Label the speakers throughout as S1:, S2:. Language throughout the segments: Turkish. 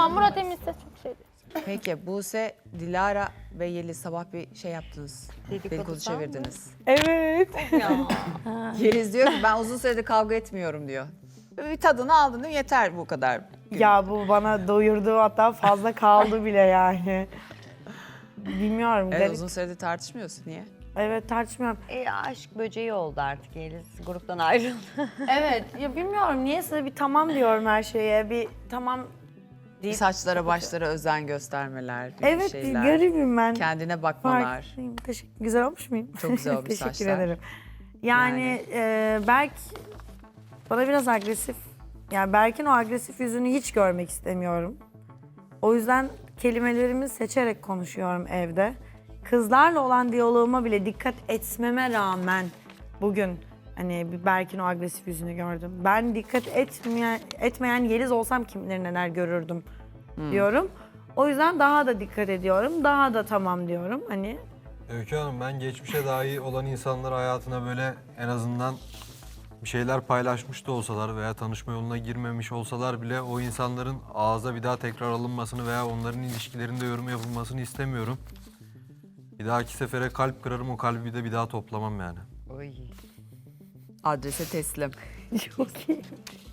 S1: Ya Murat Eminse çok şey.
S2: Peki Buse, Dilara ve Yeliz sabah bir şey yaptınız. Dedikodu çevirdiniz.
S3: Evet.
S2: Yeliz diyor ki ben uzun süredir kavga etmiyorum diyor. Bir tadını aldın değil mi? Yeter bu kadar.
S3: Ya bu bana doyurdu, hatta fazla kaldı bile yani. Bilmiyorum.
S2: Evet,
S3: garip.
S2: uzun süredir tartışmıyorsun. Niye?
S3: Evet, tartışmıyorum.
S4: Aşk böceği oldu artık Yeliz. Gruptan ayrıldı.
S3: Evet, ya bilmiyorum niyeyse bir tamam diyorum her şeye. Bir tamam deyip...
S2: Saçlara başlara özen göstermeler, bir
S3: Evet,
S2: şeyler.
S3: garibim ben.
S2: Kendine bakmalar.
S3: Farklıyım. Güzel olmuş muyum?
S2: Çok güzel olmuş
S3: Teşekkür
S2: saçlar.
S3: ederim. Yani Berk bana biraz agresif. Yani Berk'in o agresif yüzünü hiç görmek istemiyorum. O yüzden kelimelerimi seçerek konuşuyorum evde. Kızlarla olan diyaloğuma bile dikkat etmeme rağmen bugün hani bir Berk'in o agresif yüzünü gördüm. Ben dikkat etmeyen Yeliz olsam kim bilir neler görürdüm diyorum. O yüzden daha da dikkat ediyorum. Daha da tamam diyorum. Hani
S5: Öykü Hanım, ben geçmişe dair olan insanlar hayatına böyle en azından bir şeyler paylaşmış da olsalar veya tanışma yoluna girmemiş olsalar bile o insanların ağza bir daha tekrar alınmasını veya onların ilişkilerinde yorum yapılmasını istemiyorum. Bir dahaki sefere kalp kırarım, o kalbi de bir daha toplamam yani.
S2: Adrese teslim.
S3: çok iyi.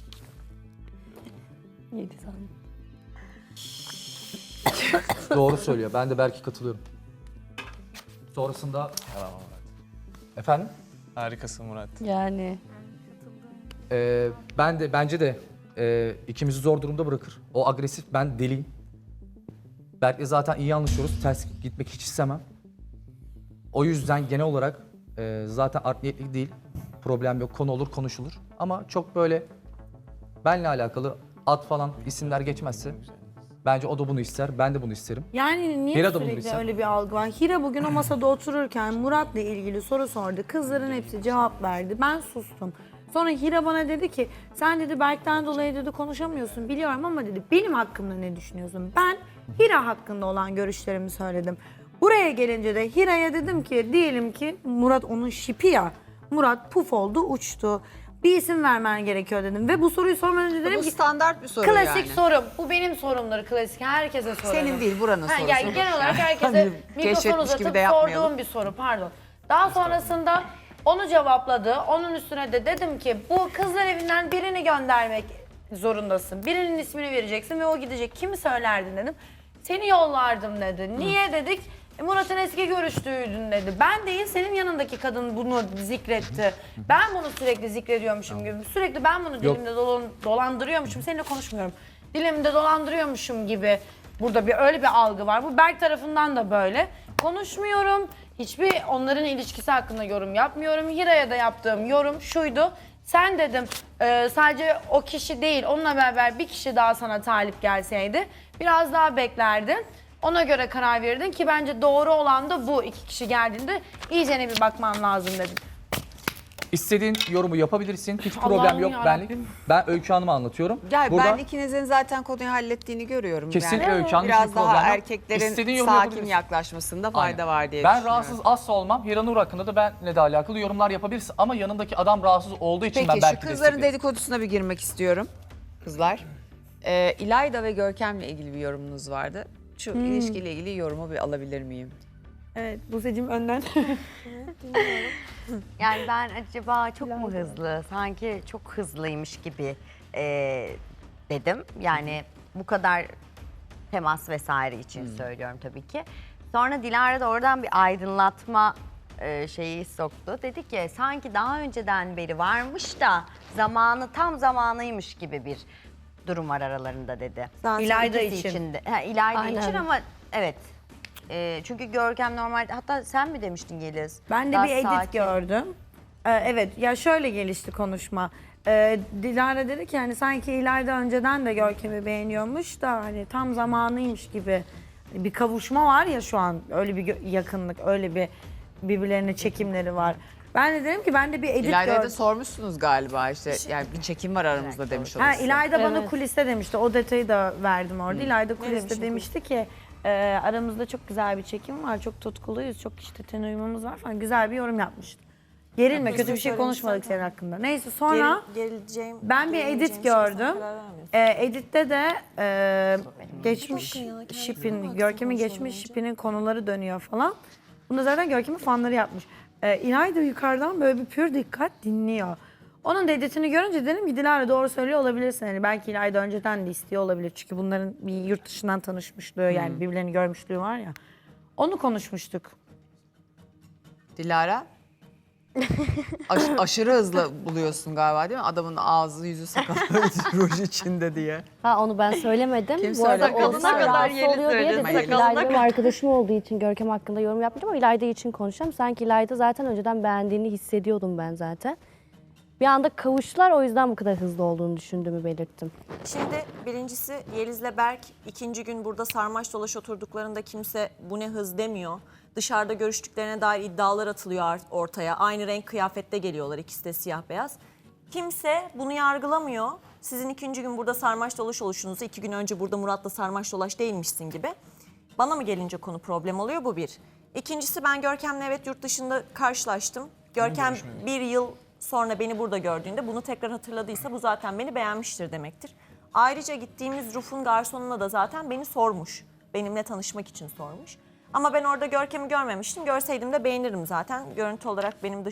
S6: Doğru söylüyor. Ben de belki katılıyorum. Sonrasında... Efendim?
S7: Harikasın Murat.
S1: Yani.
S6: Bence de ikimizi zor durumda bırakır. O agresif, ben deliyim. Berk'le zaten iyi anlaşıyoruz. Ters gitmek hiç istemem. O yüzden genel olarak zaten art niyetli değil. Problem yok. Konu olur, konuşulur. Ama çok böyle benle alakalı ad falan isimler geçmezse bence o da bunu ister. Ben de bunu isterim.
S3: Yani niye
S6: Hira da bunu
S3: sürekli
S6: bilse.
S3: öyle bir algı var? Hira bugün o masada otururken Murat'la ilgili soru sordu. Kızların hepsi cevap verdi. Ben sustum. Sonra Hira bana dedi ki sen dedi Berk'ten dolayı dedi konuşamıyorsun biliyorum ama dedi benim hakkımda ne düşünüyorsun? Ben Hira hakkında olan görüşlerimi söyledim. Buraya gelince de Hira'ya dedim ki diyelim ki Murat onun şipi ya. Murat puf oldu uçtu. Bir isim vermen gerekiyor dedim ve bu soruyu sormadan önce dedim
S2: Bu
S3: ki
S2: standart bir soru
S3: klasik
S2: yani.
S3: sorum. Bu benim sorumdur klasik. Herkese sorarım.
S2: Senin değil, buranın sorusu.
S3: Yani genel olarak herkese
S2: Hani
S3: mikrofon
S2: keşfetmiş
S3: uzatıp
S2: gibi de yapmayalım.
S3: sorduğum bir soru pardon. Daha sonrasında onu cevapladı. Onun üstüne de dedim ki bu kızlar evinden birini göndermek zorundasın. Birinin ismini vereceksin ve o gidecek. Kimi söylerdin dedim. Seni yollardım dedi. Niye dedik? Murat'ın eski görüştüğüydün dedi. Ben değil senin yanındaki kadın bunu zikretti. Ben bunu sürekli zikrediyormuşum gibi. Sürekli ben bunu dilimde dolandırıyormuşum. Seninle konuşmuyorum. Dilimde dolandırıyormuşum gibi. Burada öyle bir algı var. Bu Berk tarafından da böyle. Konuşmuyorum. Hiçbir onların ilişkisi hakkında yorum yapmıyorum. Hira'ya da yaptığım yorum şuydu. Sen dedim sadece o kişi değil onunla beraber bir kişi daha sana talip gelseydi biraz daha beklerdin. Ona göre karar verirdin ki bence doğru olan da bu. İki kişi geldiğinde iyicene bir bakman lazım dedim.
S6: İstediğin yorumu yapabilirsin. Hiç
S3: Allah'ım
S6: problem yok
S3: yarabbim.
S6: benlik. Ben Öykü Hanım'a anlatıyorum.
S2: Gel
S6: Burada
S2: ben ikinizin zaten konuyu hallettiğini görüyorum.
S6: Kesinlikle
S2: yani.
S6: Öykü Hanım,
S2: Biraz
S6: hiçbir
S2: daha
S6: problem yok.
S2: erkeklerin
S6: İstediğin yorumu
S2: sakin
S6: yapabilirsin.
S2: yaklaşmasında fayda
S6: Aynen.
S2: var diye
S6: ben
S2: düşünüyorum.
S6: rahatsız asla olmam. Hira Nur hakkında da benle de alakalı yorumlar yapabilirsin. Ama yanındaki adam rahatsız olduğu için ben
S2: Peki şu
S6: belki
S2: kızların
S6: desteklerim.
S2: dedikodusuna bir girmek istiyorum. Kızlar. İlayda ve Görkem'le ilgili bir yorumunuz vardı. Şu ilişkiyle ilgili yorumu bir alabilir miyim?
S3: Evet Buse'cim önden.
S4: Yani ben acaba çok mu hızlı? Sanki çok hızlıymış gibi dedim. Yani bu kadar temas vesaire için söylüyorum tabii ki. Sonra Dilara da oradan bir aydınlatma şeyi soktu. Dedi ki sanki daha önceden beri varmış da tam zamanıymış gibi bir durum var aralarında dedi.
S3: İlayda
S4: İkisi
S3: için.
S4: de. İlayda
S1: Aynen.
S4: için ama evet. Çünkü Görkem normalde hatta sen mi demiştin Yeliz?
S3: Ben de
S4: Daha
S3: bir edit
S4: sakin.
S3: gördüm. Evet ya şöyle gelişti konuşma. Dilara dedi ki hani sanki İlayda önceden de Görkem'i beğeniyormuş da hani tam zamanıymış gibi. Bir kavuşma var ya şu an öyle bir yakınlık öyle bir birbirlerine çekimleri var. Ben de dedim ki ben de bir edit
S2: İlayda'ya da
S3: gördüm.
S2: sormuşsunuz galiba işte yani bir çekim var aramızda demiş
S3: Ha,
S2: olursun.
S3: İlayda bana
S1: Evet.
S3: kuliste demişti. O detayı da verdim orada. İlayda kuliste demişti ki aramızda çok güzel bir çekim var. Çok tutkuluyuz. Çok işte ten uyumumuz var falan. Güzel bir yorum yapmıştı. Gerilme, kötü bir şey konuşmadık senin hakkında. Neyse sonra ben bir edit gördüm. Editte de geçmiş şipin, Görkem'in geçmiş şipinin konuları dönüyor falan. Bunu zaten Görkem'in fanları yapmış. İlayda yukarıdan böyle bir pür dikkat dinliyor. Onun da editini görünce dedim ki Dilara doğru söylüyor olabilirsin. Yani belki İlayda önceden de istiyor olabilir. Çünkü bunların bir yurt dışından tanışmışlığı yani birbirlerini görmüşlüğü var ya. Onu konuşmuştuk.
S2: Dilara? Aşırı hızlı buluyorsun galiba değil mi? Adamın ağzı yüzü sakalı ruj içinde diye.
S1: Ha onu ben söylemedim.
S2: Kim
S1: Bu arada
S2: söyledi?
S1: Oğuzhan
S2: Sakalına kadar
S1: rahatsız oluyor diye
S2: söyledim.
S1: dedim. İlayda benim arkadaşım olduğu için Görkem hakkında yorum yapmayacağım ama İlayda için konuşacağım. Sanki İlayda zaten önceden beğendiğini hissediyordum ben zaten. Bir anda kavuştular, o yüzden bu kadar hızlı olduğunu düşündüğümü belirttim.
S7: Şimdi birincisi Yeliz'le Berk ikinci gün burada sarmaş dolaş oturduklarında kimse bu ne hız demiyor. Dışarıda görüştüklerine dair iddialar atılıyor ortaya. Aynı renk kıyafette geliyorlar, ikisi de siyah beyaz. Kimse bunu yargılamıyor. Sizin ikinci gün burada sarmaş dolaş oluşunuzu 2 gün önce burada Murat'la sarmaş dolaş değilmişsin gibi. Bana mı gelince konu problem oluyor, bu bir. İkincisi ben Görkem'le evet yurt dışında karşılaştım. Görkem bir yıl sonra beni burada gördüğünde bunu tekrar hatırladıysa bu zaten beni beğenmiştir demektir. Ayrıca gittiğimiz Ruf'un garsonuna da zaten beni sormuş. Benimle tanışmak için sormuş. Ama ben orada Görkem'i görmemiştim. Görseydim de beğenirim zaten. Görüntü olarak benim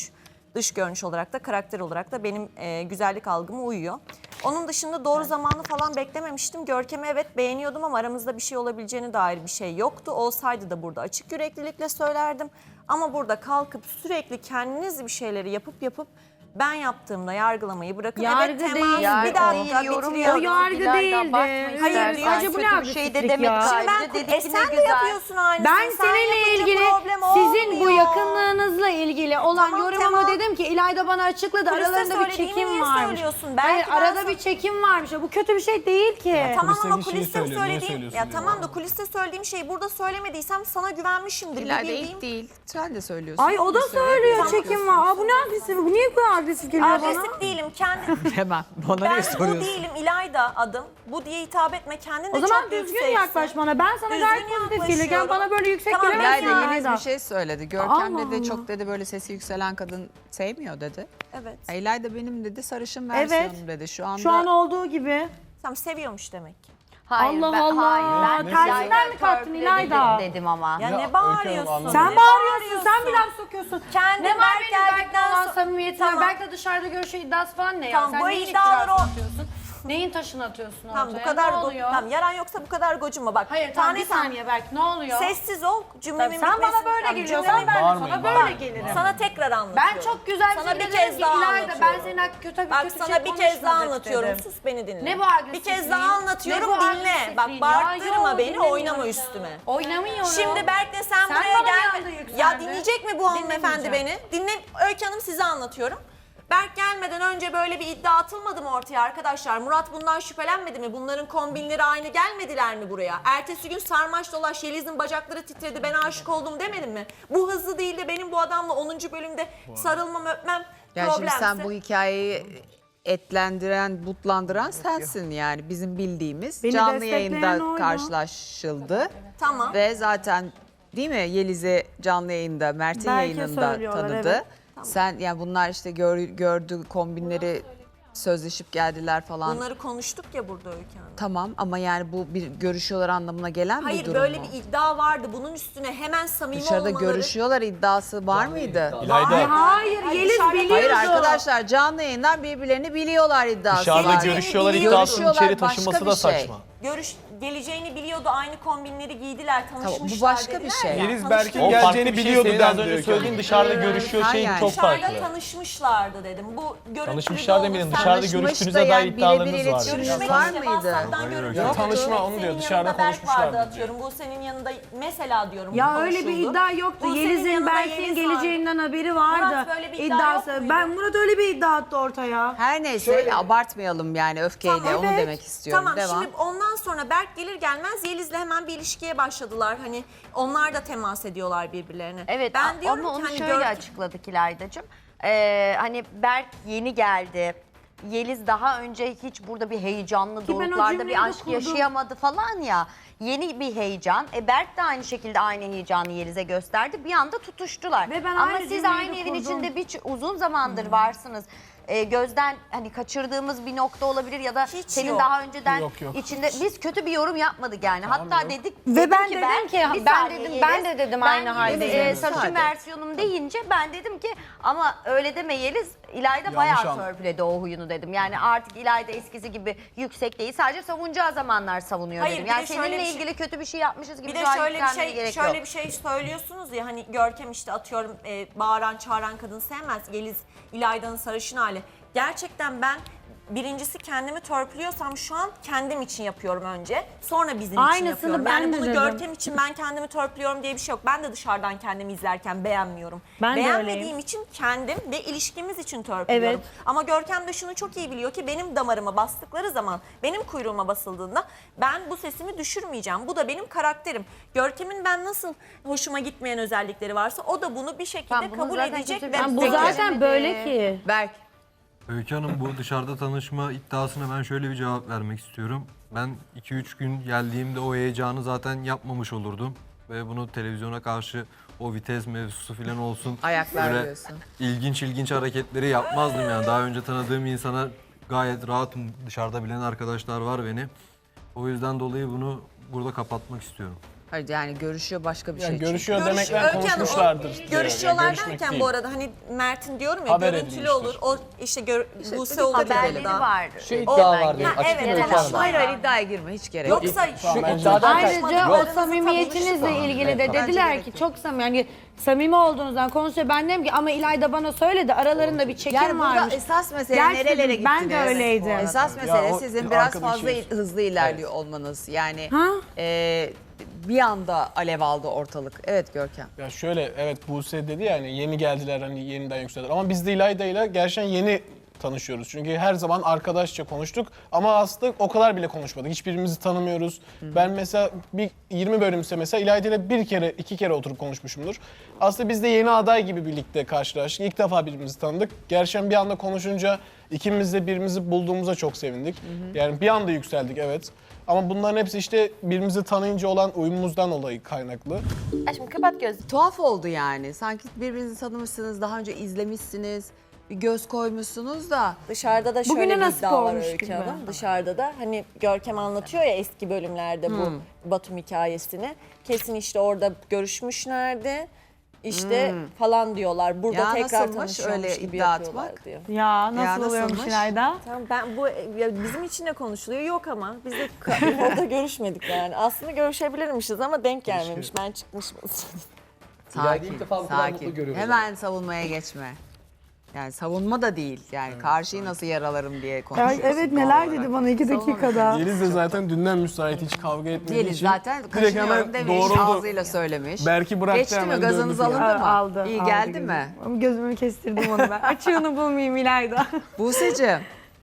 S7: dış görünüş olarak da karakter olarak da benim güzellik algıma uyuyor. Onun dışında doğru zamanı falan beklememiştim. Görkem'i evet beğeniyordum ama aramızda bir şey olabileceğine dair bir şey yoktu. Olsaydı da burada açık yüreklilikle söylerdim. Ama burada kalkıp sürekli kendiniz bir şeyleri yapıp ben yaptığımda yargılamayı bırakın.
S3: Yargı
S7: evet temas,
S3: değil.
S7: bir
S4: Yargı
S7: dakika
S4: değil, yorum
S7: bitiriyorum.
S3: O yargı değildi.
S7: Hayır,
S3: Sadece bu ne
S4: kötü bir şey de
S3: agresiflik
S4: demedik.
S3: ya?
S7: Şimdi
S4: Sadece
S7: ben
S4: dedik ki
S7: sen
S4: ne
S7: de
S4: güzel.
S7: yapıyorsun aynısını.
S3: Ben
S7: Sen
S3: seninle
S7: yapınca
S3: ilgili,
S7: problem
S3: sizin bu
S7: olmuyor.
S3: yakınlığınızla ilgili olan
S7: Tamam,
S3: yorumumu
S7: tamam.
S3: dedim ki İlayda bana açıkladı.
S7: Kuliste
S3: Aralarında bir
S7: söylediğini
S3: çekim
S7: niye
S3: varmış.
S7: söylüyorsun? Belki
S3: Hayır,
S7: ben
S3: arada
S7: sana-
S3: bir çekim varmış. Bu kötü bir şey değil ki.
S7: Tamam ama
S8: Kuliste bir şey
S7: kuliste
S8: söylüyor, niye
S7: söylediğim
S8: söylüyorsun
S7: ya
S8: diyor
S7: tamam
S8: bana.
S7: da kuliste söylediğim şeyi burada söylemediysem sana güvenmişimdir.
S2: İlayda
S7: bildiğim.
S2: ilk değil. Sen de söylüyorsun.
S3: Ay o da söylüyor çekim var. Aa, bu ne agresif? Bu niye bu kadar agresif geliyor bana?
S7: Agresif değilim.
S2: Hemen. Bana
S7: Ben
S2: niye
S7: bu
S2: soruyorsun?
S7: değilim. İlayda adım. Bu diye hitap etme. Kendin de
S3: O zaman
S7: çok
S3: düzgün
S7: yükseksin.
S3: yaklaş bana. Ben sana
S7: Düzgün
S3: gayet pozitif gelirken
S7: yaklaşıyorum.
S3: bana böyle yüksek
S7: Tamam,
S3: gelemezsin
S2: İlayda
S3: İlayda.
S2: Yeliz bir şey söyledi. Görkem
S3: Allah
S2: dedi
S3: Allah.
S2: çok dedi böyle sesi yükselen kadın sevmiyor dedi.
S7: Evet.
S2: İlayda benim dedi sarışın
S3: Evet.
S2: versiyonum dedi. Şu anda
S3: Şu an olduğu gibi.
S7: Tamam seviyormuş demek ki.
S4: Hayır,
S3: Allah Allah.
S4: ben
S3: Tersinden mi kalktın İlayda?
S4: dedim ama.
S7: Ya, ne
S8: Öykü
S7: bağırıyorsun?
S8: Hanım,
S3: Sen
S7: Ne
S3: bağırıyorsun, sen bir laf sokuyorsun.
S7: Kendin
S3: Ne var
S7: Berk
S3: benim Berk'le
S7: geldikten
S3: olan
S7: sonra-
S3: samimiyetim var.
S7: Tamam.
S3: Berk'le dışarıda görüşüyor iddiası falan ne ya?
S7: Tamam,
S3: Sen
S7: bu
S3: neyin
S7: iddialar
S3: iddiasını
S7: o-
S3: atıyorsun? Neyin taşını atıyorsun ortaya?
S7: Tamam bu kadar
S3: Ne oluyor?
S7: tamam, yaran yoksa bu kadar gocunma bak.
S3: Hayır tamam bir
S7: tane
S3: saniye Berk ne oluyor?
S7: sessiz ol cümlemin
S3: Sen bana
S7: bitmesin.
S3: böyle
S7: Tamam,
S3: geliyorsan
S7: cümlemin-
S3: ben de sana
S8: Bağırmayın,
S3: böyle
S8: bağırmayın.
S3: gelirim.
S7: Sana tekrar anlatıyorum.
S3: Ben çok güzel bir
S7: Sana bir
S3: şekilde
S7: kez
S3: dedim ki
S7: daha
S3: İlayda ben
S7: anlatıyorum.
S3: senin hakkında kötü
S7: Bak
S3: kötü
S7: sana
S3: şey
S7: bir kez daha
S3: konuşmadık
S7: anlatıyorum.
S3: dedim.
S7: Sus beni dinle.
S3: Ne bu agresifliğin?
S7: Bir kez daha anlatıyorum
S3: Ne bu
S7: dinle.
S3: agresifliğin
S7: Bak
S3: ya?
S7: bağırtırma
S3: Yok,
S7: beni
S3: dinlemiyorum.
S7: oynama üstüme.
S3: Oynamıyorum.
S7: Şimdi Berk'le sen
S3: Sen
S7: buraya
S3: bana bir anda
S7: gelme.
S3: yükseldin.
S7: Ya dinleyecek mi bu hanımefendi
S3: Dinlemeyeceğim.
S7: beni? Dinle Öykü Hanım size anlatıyorum. Berk gelmeden önce böyle bir iddia atılmadı mı ortaya arkadaşlar? Murat bundan şüphelenmedi mi? Bunların kombinleri aynı gelmediler mi buraya? Ertesi gün sarmaş dolaş Yeliz'in bacakları titredi ben aşık oldum demedim mi? Bu hızlı değil de benim bu adamla 10. bölümde sarılmam öpmem
S2: yani şimdi
S7: problemse.
S2: sen bu hikayeyi etlendiren, butlandıran sensin yani bizim bildiğimiz.
S3: Beni
S2: Canlı
S3: destekleyen
S2: yayında
S3: oydu.
S2: karşılaşıldı.
S7: Tamam.
S2: Ve zaten değil mi Yeliz'i canlı yayında, Mert'in
S3: Belki
S2: yayınında
S3: söylüyorlar,
S2: tanıdı.
S3: evet.
S2: Sen yani bunlar işte gördü kombinleri sözleşip geldiler falan.
S7: Bunları konuştuk ya burada Öykü Hanım.
S2: Tamam ama yani bu bir görüşüyorlar anlamına gelen bir
S7: Hayır
S2: durum
S7: böyle
S2: mu?
S7: bir iddia vardı. Bunun üstüne hemen samimi
S2: Dışarıda
S7: olmaları.
S2: görüşüyorlar iddiası var mıydı?
S8: İlayda
S3: Hayır Yeliz
S7: dışarıda-
S3: biliyordu.
S2: Hayır arkadaşlar canlı yayından birbirlerini biliyorlar iddiası
S8: dışarıda
S2: var.
S8: görüşüyorlar
S7: Biliyordu.
S8: iddiasının içeri
S2: Görüşüyorlar,
S8: taşıması
S2: başka
S8: da
S2: bir şey.
S8: saçma.
S7: Geleceğini biliyordu. Aynı kombinleri giydiler, tanışmışlar
S2: bu başka bir
S7: dediler
S2: şey.
S7: ya,
S8: Yeliz
S7: tanıştılar.
S8: Berk'in O farklı geleceğini bir şey, biliyordu senin az dendi önce Öykü söylediğin Hanım. dışarıda görüşüyor
S2: hayır
S8: şeyin
S2: yani.
S8: çok
S7: Dışarıda
S8: farklı.
S7: tanışmışlardı dedim. Bu görüntülü
S8: Tanışmışlar
S7: de
S8: demeyelim,
S7: olsa-
S8: dışarıda
S2: Tanışmış
S8: görüştüğünüze
S2: da
S8: dair
S2: yani
S8: iddialarınız
S2: birebir
S8: var.
S2: iletişiminiz
S7: Görüşmek
S2: var
S7: işte,
S2: mıydı?
S7: WhatsApp'tan görüntülü.
S8: Ya tanışma, onu diyor,
S7: Senin
S8: dışarıda
S7: yanında Berk
S8: konuşmuşlar
S7: vardı
S8: diyor.
S7: atıyorum. Bu senin yanında mesela diyorum.
S3: Ya
S7: bu
S3: öyle bir
S7: konuşuldu.
S3: iddia yoktu.
S7: Bu senin
S3: Yeliz'in
S7: yanında
S3: Berk'in
S7: Yeliz
S3: geleceğinden haberi vardı.
S7: Murat böyle bir iddia
S3: İddiası.
S7: yok muydu?
S3: Ben Murat öyle bir iddia attı ortaya.
S2: Her neyse abartmayalım yani öfkeyle
S7: Tamam,
S2: onu
S3: evet.
S2: demek istiyorum.
S7: Tamam
S2: Devam.
S7: şimdi ondan sonra Berk gelir gelmez Yeliz'le hemen bir ilişkiye başladılar. Hani onlar da temas ediyorlar birbirlerine.
S4: Evet
S7: ben diyorum
S4: ama
S7: ki
S4: onu
S7: hani
S4: şöyle açıkladık İlayda'cığım. Hani Berk yeni geldi. Yeliz daha önce hiç burada bir heyecanlı
S3: Ki ben o
S4: doruklarda
S3: cümleyi
S4: bir
S3: de
S4: aşk
S3: kurdum.
S4: yaşayamadı falan ya. yeni bir heyecan. Berk de aynı şekilde aynı heyecanı Yeliz'e gösterdi. Bir anda tutuştular.
S3: Ve ben
S4: Ama
S3: aynı
S4: siz
S3: cümleyi
S4: aynı
S3: de
S4: evin
S3: kurdum.
S4: içinde uzun zamandır varsınız. Gözden hani kaçırdığımız bir nokta olabilir ya da
S7: Hiç
S4: senin
S7: yok.
S4: daha önceden
S8: Yok, yok.
S4: içinde biz kötü bir yorum yapmadık yani. Hatta dedik
S3: Ve ben
S4: ki
S3: dedim ki,
S4: bir
S3: ben
S4: saniye
S3: dedim,
S4: Yeliz,
S3: ben de dedim aynı haldeyim.
S4: Sarışın
S2: Sade.
S4: versiyonum deyince ben dedim ki ama öyle deme Yeliz, İlayda bayağı
S8: anladım.
S4: törpüledi o huyunu dedim. Yani artık İlayda eskisi gibi yüksek değil, sadece savunacağı zamanlar savunuyor
S7: Hayır,
S4: dedim.
S7: bir
S4: Yani
S7: de şöyle
S4: seninle
S7: bir şey-
S4: ilgili kötü bir şey yapmışız gibi
S7: Bir de
S4: şu an
S7: şöyle bir
S4: yükselmene
S7: şey
S4: gerek
S7: şöyle
S4: yok.
S7: bir şey söylüyorsunuz ya, hani Görkem işte atıyorum bağıran çağıran kadın sevmez. Yeliz İlayda'nın sarışın hali. Gerçekten ben birincisi kendimi törpülüyorsam şu an kendim için yapıyorum önce. Sonra bizim için
S3: Aynısını
S7: yapıyorum.
S3: ben
S7: Yani
S3: de
S7: bunu
S3: dedim.
S7: Görkem için ben kendimi törpülüyorum diye bir şey yok. Ben de dışarıdan kendimi izlerken beğenmiyorum.
S3: Ben de
S7: Beğenmediğim
S3: öyleyim.
S7: için kendim ve ilişkimiz için törpülüyorum.
S3: Evet.
S7: Ama Görkem de şunu çok iyi biliyor ki benim damarıma bastıkları zaman, benim kuyruğuma basıldığında ben bu sesimi düşürmeyeceğim. Bu da benim karakterim. Görkem'in ben nasıl hoşuma gitmeyen özellikleri varsa o da bunu bir şekilde
S4: Tamam, bunu
S7: kabul
S4: zaten
S7: edecek.
S4: kimse-
S7: ve
S3: Bu
S4: Peki.
S3: zaten böyle ki.
S2: Berk.
S5: Öykü Hanım, bu dışarıda tanışma iddiasına ben şöyle bir cevap vermek istiyorum. Ben 2-3 gün geldiğimde o heyecanı zaten yapmamış olurdum. Ve bunu televizyona karşı o vites mevzusu falan olsun.
S2: Ayaklar
S5: böyle
S2: diyorsun.
S5: ilginç hareketleri yapmazdım yani. Daha önce tanıdığım insana gayet rahatım. Dışarıda bilen arkadaşlar var beni. O yüzden dolayı bunu burada kapatmak istiyorum.
S2: Hayır yani görüşüyor başka bir şey.
S8: Yani
S2: çünkü.
S8: görüşüyor demekle konuşmuşlardır. diyor.
S7: Görüşüyorlar
S8: Yani görüşmek
S7: derken
S8: değil.
S7: bu arada hani Mert'in diyorum ya
S8: Haber
S7: görüntülü
S8: edilmiştir.
S7: olur. O işte Buse olur
S4: Haberleri
S7: orada.
S4: var.
S6: Şu iddia var benim.
S7: Ha,
S6: Açık
S7: evet,
S6: mı Öykü
S7: evet.
S6: Hanım?
S2: Hayır hayır iddiaya girme hiç gerek yok.
S7: Yoksa
S6: Şu
S8: bence-
S6: iddiadan
S3: Ayrıca o
S7: Konuşmadıklarınızı
S3: samimiyetinizle
S7: tanımıştım.
S3: ilgili de
S2: Bence
S3: dediler
S2: gerek
S3: ki
S2: yok.
S3: çok samimi, yani samimi olduğunuzdan konuşuyor. Ben dedim ki ama İlayda bana söyledi, aralarında bir çekim
S2: Yani burada
S3: varmış.
S2: esas mesele
S3: Gerçekten
S2: nerelere gittiniz?
S3: ben de öyleydim.
S2: Esas
S8: Ya
S2: mesele
S8: o
S2: sizin biraz
S8: arkadaşı-
S2: fazla hızlı ilerliyor olmanız. Yani
S3: Ha?
S2: bir anda alev aldı ortalık. Evet Görkem.
S8: Ya şöyle, evet Buse dedi ya hani yeni geldiler, hani yeniden yükseldiler. Ama biz de İlayda'yla gerçekten yeni tanışıyoruz. Çünkü her zaman arkadaşça konuştuk ama aslında o kadar bile konuşmadık. Hiçbirimizi tanımıyoruz. Ben mesela bir 20 bölümse mesela İlayda'yla bir kere, 2 kere oturup konuşmuşumdur. Aslında biz de yeni aday gibi birlikte karşılaştık. İlk defa birbirimizi tanıdık. Gerçekten bir anda konuşunca ikimiz de birbirimizi bulduğumuza çok sevindik. Yani bir anda yükseldik, evet. Ama bunların hepsi işte birbirimizi tanıyınca olan uyumumuzdan dolayı kaynaklı.
S7: Aşkım kapat gözünü.
S2: Tuhaf oldu yani. Sanki birbirinizi tanımışsınız, daha önce izlemişsiniz, bir göz koymuşsunuz da.
S7: Dışarıda da şöyle
S3: Bugüne
S7: bir
S3: nasip
S7: iddia var
S3: olmuş
S7: Öykü
S3: gibi.
S7: Hanım. Dışarıda da hani Görkem anlatıyor ya eski bölümlerde bu Batum hikayesini. Kesin işte orada görüşmüşlerdi. İşte falan diyorlar. Burada
S2: Ya
S7: tekrar
S2: nasılmış
S7: tanışıyormuş
S2: öyle
S7: gibi
S2: iddia
S7: yapıyorlar
S2: atmak?
S7: diyor.
S3: Ya nasıl
S2: Ya
S3: oluyormuş
S2: nasılmış?
S3: İlayda?
S7: Tamam ben bu ya bizim için de konuşuluyor yok ama biz de orada görüşmedik yani. Aslında görüşebilirmişiz ama denk gelmemiş. Ben çıkmışım.
S6: İlayda'yı
S2: Sakin,
S6: ilk defa bu kadar mutlu
S2: sakin.
S6: görüyoruz.
S2: Hemen savunmaya geçme. Yani savunma da değil. Yani karşıyı nasıl yaralarım diye konuşuyorsun.
S3: Evet neler dedi bana 2 dakikada.
S8: Yeliz de zaten dünden müsait, hiç kavga etmediği
S2: Yeliz
S8: için
S2: zaten
S8: direkt
S2: kaşınıyorum
S8: hemen
S2: demiş,
S8: doğruldu.
S2: ağzıyla söylemiş.
S8: Berk'i bıraktı
S2: Geçti mi?
S8: hemen,
S2: Gazınız
S8: döndü
S2: alındı
S8: falan.
S2: mı?
S3: Aldı.
S2: İyi
S3: aldı
S2: geldi
S3: gözümü.
S2: mi?
S3: Ama gözümü kestirdim onu ben. Açığını bulmayayım İlayda.
S2: Buse'cim